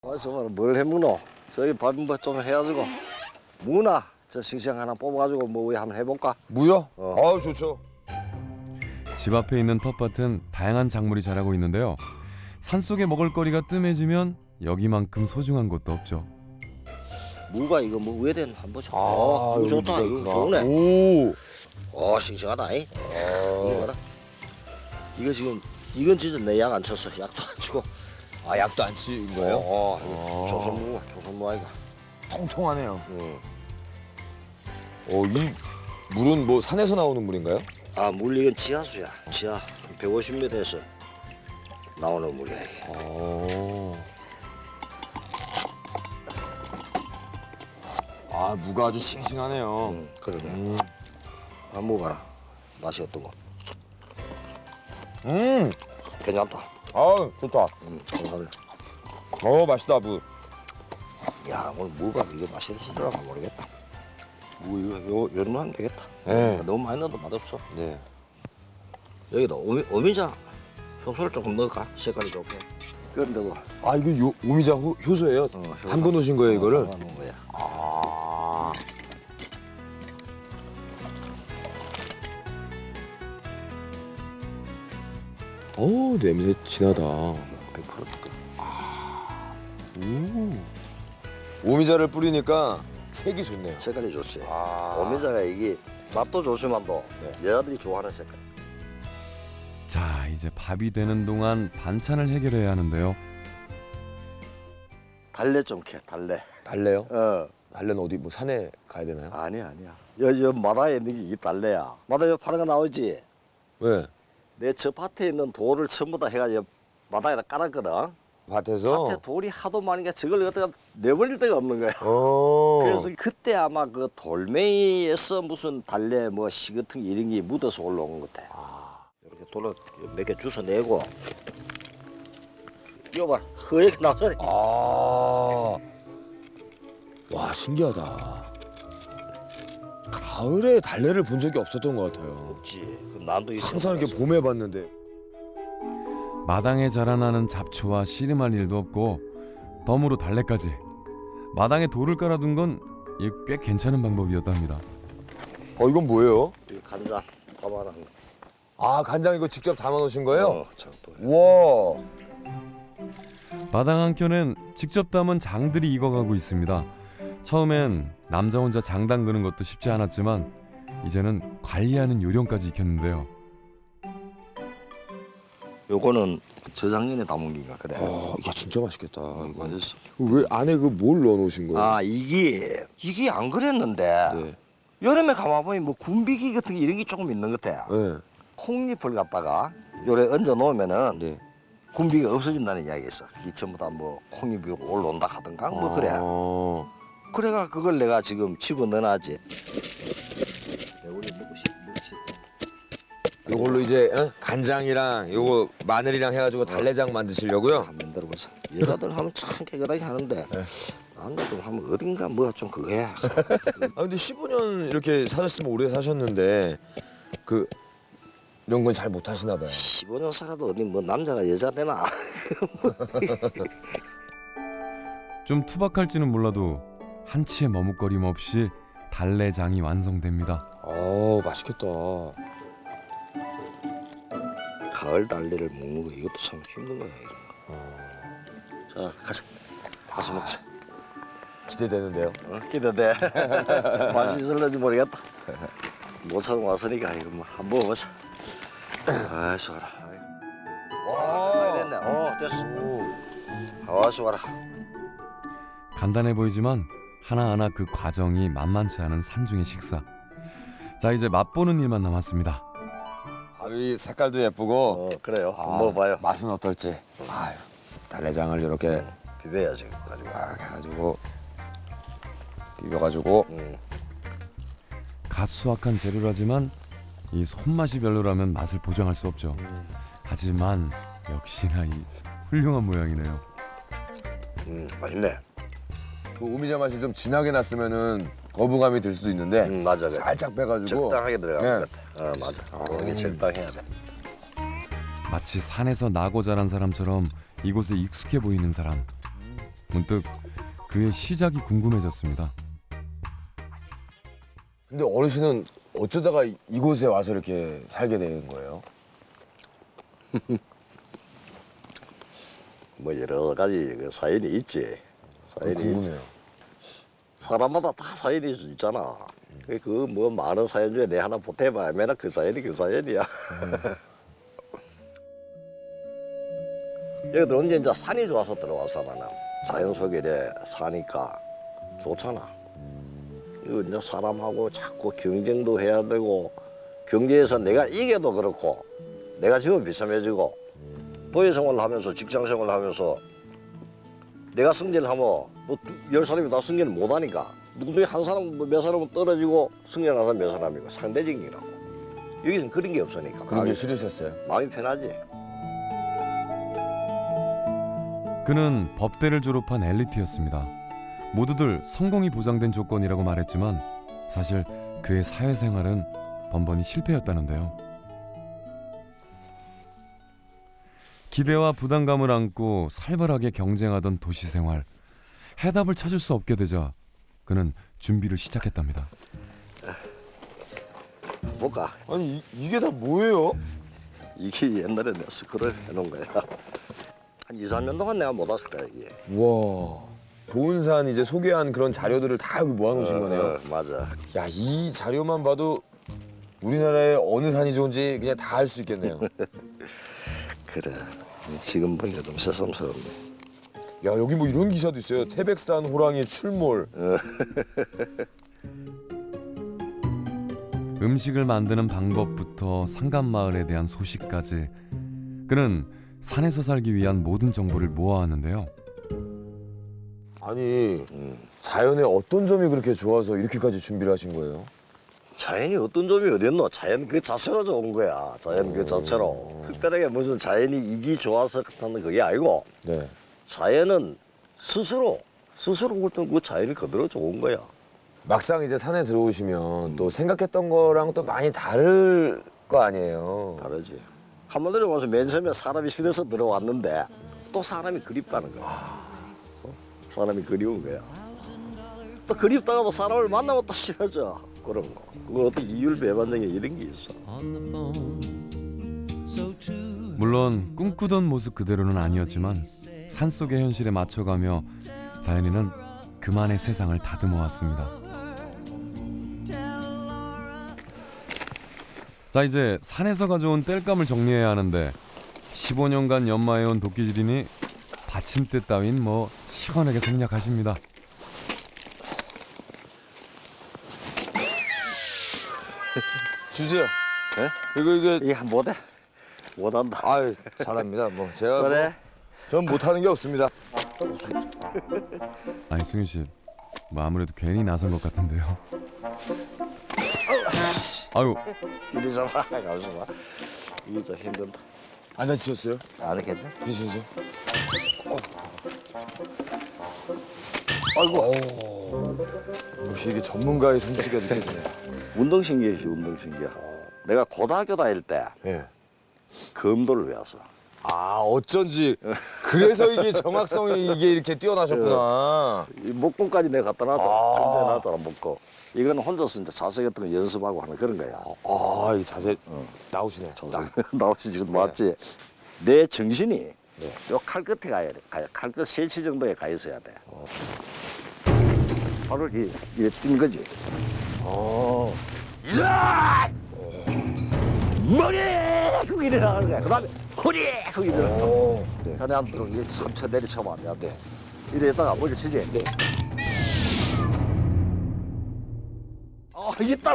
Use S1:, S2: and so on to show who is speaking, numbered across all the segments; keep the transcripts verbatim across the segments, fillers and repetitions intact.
S1: 와서 뭘 해먹노? 저기 밥 좀 해가지고 무나 저 싱싱 하나 뽑아가지고 뭐 한번 해볼까?
S2: 무요?
S1: 어.
S2: 아 좋죠.
S3: 집 앞에 있는 텃밭은 다양한 작물이 자라고 있는데요. 산속에 먹을거리가 뜸해지면 여기만큼 소중한 곳도 없죠.
S1: 무가 이거 뭐 위에 된 한번 줘.
S2: 아,
S1: 무 좋다.
S2: 여기
S1: 이거
S2: 있구나.
S1: 좋네.
S2: 오.
S1: 어 싱싱하다. 이.
S2: 아.
S1: 이거 봐라. 이거 지금 이건 진짜 내 약 안 쳤어. 약도 안 치고.
S2: 아 약도 안 치는 거예요?
S1: 어,
S2: 아.
S1: 조선무가 조선무 아이가.
S2: 통통하네요.
S1: 응.
S2: 어, 이 물은 뭐 산에서 나오는 물인가요?
S1: 아, 물 이건 지하수야. 지하 백오십 미터에서 나오는 물이야. 이게.
S2: 어. 아 무가 아주 싱싱하네요.
S1: 응, 그러네.
S2: 음.
S1: 한번 먹어봐라. 맛이 어떤 거?
S2: 음.
S1: 괜찮다.
S2: 아 좋다.
S1: 응, 괜찮네.
S2: 어 맛있다 무.
S1: 야, 오늘 무가 이거 맛있을까 모르겠다. 무 이거 요 요런 하면 되겠다.
S2: 네.
S1: 너무 많이 넣어도 맛없어.
S2: 네.
S1: 여기다 오미, 오미자 효소를 조금 넣을까? 색깔이 좋게. 그런데도
S2: 아 이거 요, 오미자 호, 효소예요?
S1: 어, 효소.
S2: 담궈 놓으신 거예요 이거를?
S1: 담가 놓은 거야.
S2: 아. 오 냄새 진하다.
S1: 백 퍼센트 그.
S2: 오. 오미자를 뿌리니까 색이 좋네요.
S1: 색깔이 좋지.
S2: 아.
S1: 오미자가 이게 맛도 좋지만도
S2: 네.
S1: 여자들이 좋아하는 색깔.
S3: 자, 이제 밥이 되는 동안 반찬을 해결해야 하는데요.
S1: 달래 좀 캐, 달래.
S2: 달래요?
S1: 어,
S2: 달래는 어디 뭐 산에 가야 되나요?
S1: 아니야, 아니야. 여, 여 마다에 있는 게 이게 달래야. 마다 여 파는 거 나오지?
S2: 왜?
S1: 내 저 밭에 있는 돌을 전부 다 해가지고 바닥에다 깔았거든.
S2: 밭에서?
S1: 밭에 돌이 하도 많으니까 저걸 갖다가 내버릴 데가 없는 거야.
S2: 어.
S1: 그래서 그때 아마 그 돌멩이에서 무슨 달래 뭐 씨 같은 게 이런 게 묻어서 올라온 것 같아.
S2: 아.
S1: 이렇게 돌을 몇 개 주워 내고 이거 봐라, 허옇게 나오잖아.
S2: 아. 와 신기하다. 가을에 달래를 본 적이 없었던 것 같아요.
S1: 없지. 그 난도 있어.
S2: 항상 이렇게 봄에 봤는데.
S3: 마당에 자라나는 잡초와 씨름할 일도 없고 덤으로 달래까지. 마당에 돌을 깔아둔 건 꽤 괜찮은 방법이었답니다.
S2: 어 이건 뭐예요?
S1: 이 간장 담아놓은 거.
S2: 아 간장 이거 직접 담아 놓으신 거예요?
S1: 어, 참 또.
S2: 우와.
S3: 마당 한켠엔 직접 담은 장들이 익어가고 있습니다. 처음엔 남자 혼자 장 담그는 것도 쉽지 않았지만 이제는 관리하는 요령까지 익혔는데요.
S1: 요거는 저작년에 담은 게인가 그래.
S2: 아, 야 진짜 맛있겠다.
S1: 어,
S2: 이거.
S1: 맛있어.
S2: 왜 안에 그 뭘 넣어 놓으신 거예요?
S1: 아 이게 이게 안 그랬는데
S2: 네.
S1: 여름에 가만보니 뭐 군비기 같은 게 이런 게 조금 있는 것 같아.
S2: 네.
S1: 콩잎을 갖다가 요래 얹어 놓으면은
S2: 네.
S1: 군비가 없어진다는 이야기 있어. 이 전부 다 뭐 콩잎이 올라온다 하던가 뭐 그래.
S2: 아.
S1: 그래가 그걸 내가 지금 집어 넣어놨지. 우리 먹고 싶, 먹고 싶.
S2: 이걸로 이제 어? 간장이랑 요거 마늘이랑 해가지고 달래장 만드시려고요?
S1: 한번 만들어보자. 여자들 하면 참 깨끗하게 하는데 나는 좀 하면 어딘가 뭐가 좀 그거야.
S2: 아 근데 십오 년 이렇게 사셨으면 오래 사셨는데 그 이런 건 잘 못 하시나 봐요.
S1: 십오 년 살아도 어디 뭐 남자가 여자 되나?
S3: 좀 투박할지는 몰라도 한치의 머뭇거림 없이 달래장이 완성됩니다.
S2: 아 맛있겠다.
S1: 가을 달래를 먹는 거 이것도 참 힘든 거야 이런 거. 자 가자. 가서 먹자.
S2: 기대되는데요.
S1: 어? 기대돼. 맛이 있을는지 모르겠다. 모처럼 왔으니까 이거 뭐 한번 먹어보자. 아 좋아라. 와 됐네. 어 됐어. 아 좋아라.
S3: 간단해 보이지만 하나하나 그 과정이 만만치 않은 산중의 식사. 자, 이제 맛보는 일만 남았습니다.
S2: 밥이 색깔도 예쁘고.
S1: 어 그래요.
S2: 아,
S1: 먹어봐요.
S2: 맛은 어떨지. 아유, 달래장을 이렇게
S1: 비벼야지. 가지고.
S2: 막 해가지고 비벼가지고.
S1: 음.
S3: 갓 수확한 재료라지만 이 손맛이 별로라면 맛을 보장할 수 없죠. 하지만 역시나 이 훌륭한 모양이네요.
S1: 음 맛있네.
S2: 그 오미자 맛이 좀 진하게 났으면은 거부감이 들 수도 있는데
S1: 음 맞아. 그래.
S2: 살짝 빼가지고
S1: 적당하게 들어가는
S2: 네.
S1: 것 같아. 어 맞아. 그런 게 적당해야 돼.
S3: 마치 산에서 나고 자란 사람처럼 이곳에 익숙해 보이는 사람. 문득 그의 시작이 궁금해졌습니다.
S2: 근데 어르신은 어쩌다가 이곳에 와서 이렇게 살게 된 거예요?
S1: 뭐 여러 가지 그 사연이 있지. 사연이 있지.
S2: 궁금해요.
S1: 사람마다 다 사연이 있잖아. 그 뭐 많은 사연 중에 내 하나 보태봐야 맨날 그 사연이 그 사연이야. 여기 들어온 지 이제 산이 좋아서 들어와서 나는 자연 속에 이래 사니까 좋잖아. 이거 이제 사람하고 자꾸 경쟁도 해야 되고 경제에서 내가 이겨도 그렇고 내가 지금 비참해지고 도예 생활을 하면서 직장 생활을 하면서 내가 승진을 하면 뭐 열 사람이 다 승진을 못 하니까 누구든지 한 사람 몇 사람은 떨어지고 승진하는 사람 몇 사람이고 상대적이라고. 여기서는 그런 게 없으니까
S2: 그런 게
S1: 마음이,
S2: 싫으셨어요?
S1: 마음이 편하지.
S3: 그는 법대를 졸업한 엘리트였습니다. 모두들 성공이 보장된 조건이라고 말했지만 사실 그의 사회생활은 번번이 실패였다는데요. 기대와 부담감을 안고 살벌하게 경쟁하던 도시 생활. 해답을 찾을 수 없게 되자 그는 준비를 시작했답니다.
S1: 볼까?
S2: 아니 이, 이게 다 뭐예요?
S1: 이게 옛날에 내가 스크롤 해놓은 거야. 한 이, 삼 년 동안 내가 못 왔을 거야 이게.
S2: 우와. 보은산 이제 소개한 그런 자료들을 다 여기 모아놓으신 거네요.
S1: 어, 맞아.
S2: 야, 이 자료만 봐도 우리나라에 어느 산이 좋은지 그냥 다 알 수 있겠네요.
S1: 그래. 지금 보니까 좀 새삼스럽네.
S2: 야, 여기 뭐 이런 기사도 있어요. 태백산 호랑이 출몰.
S3: 음식을 만드는 방법부터 상간마을에 대한 소식까지 그는 산에서 살기 위한 모든 정보를 모아왔는데요.
S2: 아니,
S1: 음.
S2: 자연의 어떤 점이 그렇게 좋아서 이렇게까지 준비를 하신 거예요?
S1: 자연이 어떤 점이 어딨노? 자연 그 자체로 좋은 거야. 자연 그 자체로. 특별하게 무슨 자연이 이기 좋아서 하는 그게 아니고
S2: 네.
S1: 자연은 스스로 스스로 어떤 그 자연이 그대로 좋은 거야.
S2: 막상 이제 산에 들어오시면 또 생각했던 거랑 또 많이 다를 거 아니에요.
S1: 다르지. 한마디로 와서 맨 처음에 사람이 싫어서 들어왔는데 또 사람이 그립다는 거야. 어? 사람이 그리운 거야. 또 그립다가도 사람을 만나면 또 싫어져. 그런 거. 그거 어떤 이율 배반적인 이런 게 있어.
S3: 물론 꿈꾸던 모습 그대로는 아니었지만 산속의 현실에 맞춰가며 자연이는 그만의 세상을 다듬어 왔습니다. 자, 이제 산에서 가져온 땔감을 정리해야 하는데 십오 년간 연마해온 도끼질이니 받침대 따윈 뭐 시원하게 생략하십니다.
S2: 주세요.
S1: 예?
S2: 이거 이게
S1: 이게 못해. 못한다.
S2: 아유 잘합니다. 뭐 제가
S1: 그래.
S2: 뭐, 전 못하는 게 없습니다.
S3: 아니 승윤 씨, 뭐 아무래도 괜히 나선 것 같은데요. 아유,
S1: 이리 좀 와. 가면서 봐. 이게 좀 힘든다.
S2: 안 다치셨어요?
S1: 안 괜찮아?
S2: 괜찮으세요?
S1: 아이고.
S2: 역시 이게 전문가의 솜씨가 느껴지네요.
S1: 운동신기이지 운동신기야. 내가 고등학교 다닐 때
S2: 예.
S1: 검도를 배웠어.
S2: 아 어쩐지 그래서 이게 정확성이 이게 이렇게 뛰어나셨구나.
S1: 이 목공까지 내가 갖다 놨잖아.
S2: 아.
S1: 검도에 놨잖아 목공. 이거는 혼자서 이제 자세 같은 거 연습하고 하는 그런 거야.
S2: 아 이 자세
S1: 어.
S2: 나오시네.
S1: 나오시 지금 맞지? 내 정신이
S2: 네.
S1: 요 칼 끝에 가야 돼. 칼끝 세치 정도에 가 있어야 돼.
S2: 어.
S1: 팔을 이, 이래 뛴 거지.
S2: 어.
S1: 야! 머리! 그거 이래 나가는 거야. 그 다음에 허리! 그거 이래 나가는 거야.
S2: 오. 네.
S1: 자네 한 들어 이게 삼천 내리쳐봐. 안 돼. 이래다가 머리 치지?
S2: 네.
S1: 아, 이게 따라.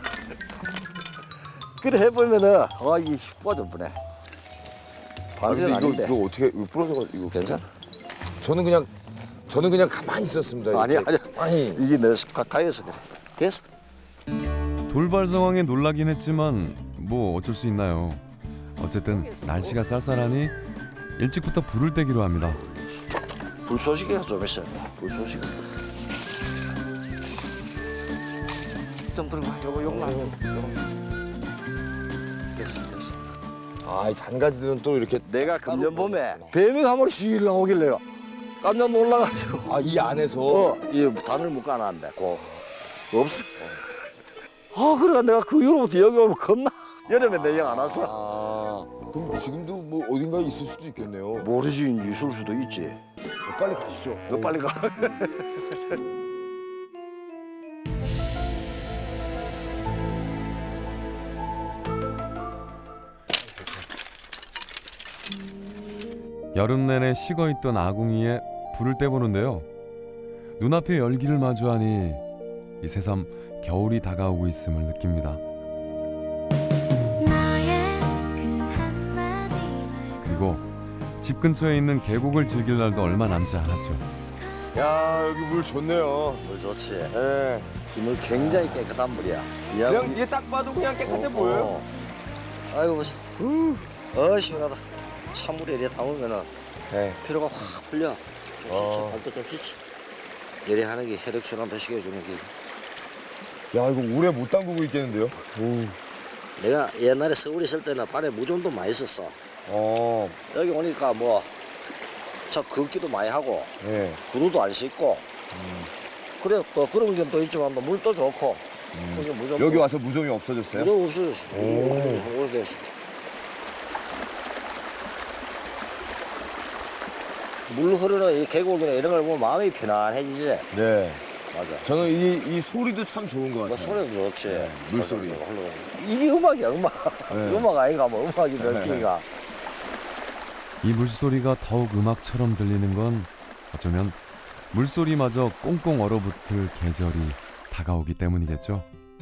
S1: 그래 해보면은, 아, 이게 휘뿌어져 보네.
S2: 아,
S1: 반지는
S2: 근데 이거,
S1: 아닌데.
S2: 이거 어떻게 이거 부러져가 이거
S1: 괜찮아?
S2: 저는 그냥 저는 그냥 가만히 있었습니다.
S1: 아니야,
S2: 이렇게.
S1: 아니야.
S2: 아니.
S1: 이게 내 가까이에서 그래. 됐어.
S3: 돌발 상황에 놀라긴 했지만 뭐 어쩔 수 있나요. 어쨌든 날씨가 쌀쌀하니 일찍부터 불을 떼기로 합니다.
S1: 불쏘시개가 좀 있어야 돼. 불쏘시개. 좀 들고 와. 요거 용나. 요거. 됐어, 됐어.
S2: 아, 이 잔가지들은 또 이렇게
S1: 내가 금년 봄에 뱀이 한 마리 씩 나오길래요. 깜짝 놀라가지고.
S2: 아, 이 안에서.
S1: 어, 이 단을 묶어놨는데, 고 없어. 아, 그래 내가 그 이후로부터 여기 오면 겁나. 여름에 내 영 안 왔어.
S2: 아, 그럼 지금도 뭐 어딘가에 있을 수도 있겠네요.
S1: 모르지, 있을 수도 있지.
S2: 빨리 가시죠.
S1: 너 빨리 가.
S3: 여름 내내 식어있던 아궁이에 불을 떼보는데요. 눈앞에 열기를 마주하니 이 새삼 겨울이 다가오고 있음을 느낍니다. 그리고 집 근처에 있는 계곡을 즐길 날도 얼마 남지 않았죠.
S2: 야, 여기 물 좋네요.
S1: 물 좋지.
S2: 예.
S1: 이 물 굉장히 깨끗한 물이야.
S2: 그냥 이게 딱 봐도 그냥 깨끗해
S1: 어,
S2: 보여요.
S1: 어. 아이고 보자. 어 시원하다. 찬물에 이래 담으면은
S2: 네.
S1: 피로가 확 풀려. 좀
S2: 어.
S1: 씻지, 발도 좀 씻지. 이래 하는 게 혈액 순환도 시켜주는 게.
S2: 야, 이거 오래 못 담그고 있겠는데요? 오.
S1: 내가 옛날에 서울에 있을 때는 발에 무좀도 많이 썼어.
S2: 어.
S1: 여기 오니까 뭐 저 걷기도 많이 하고
S2: 네.
S1: 구두도 안 씻고.
S2: 음.
S1: 그래 또 그런 게 또 있지만 또 물도 좋고.
S2: 음.
S1: 여기 무좀
S2: 여기 와서 무좀이 없어졌어요?
S1: 무좀 없어졌어.
S2: 오.
S1: 오래됐어. 물 흐르는 이 계곡이나 이런 걸 보면 마음이 편안해지지.
S2: 네.
S1: 맞아.
S2: 저는 이, 이 소리도 참 좋은 것
S1: 뭐
S2: 같아요.
S1: 소리도 좋지.
S2: 네, 물소리.
S1: 흘러가는 거. 이게 음악이야, 음악.
S2: 네.
S1: 음악 아이가 뭐 음악이 몇 개가.
S3: 이 물소리가 더욱 음악처럼 들리는 건 어쩌면 물소리마저 꽁꽁 얼어붙을 계절이 다가오기 때문이겠죠.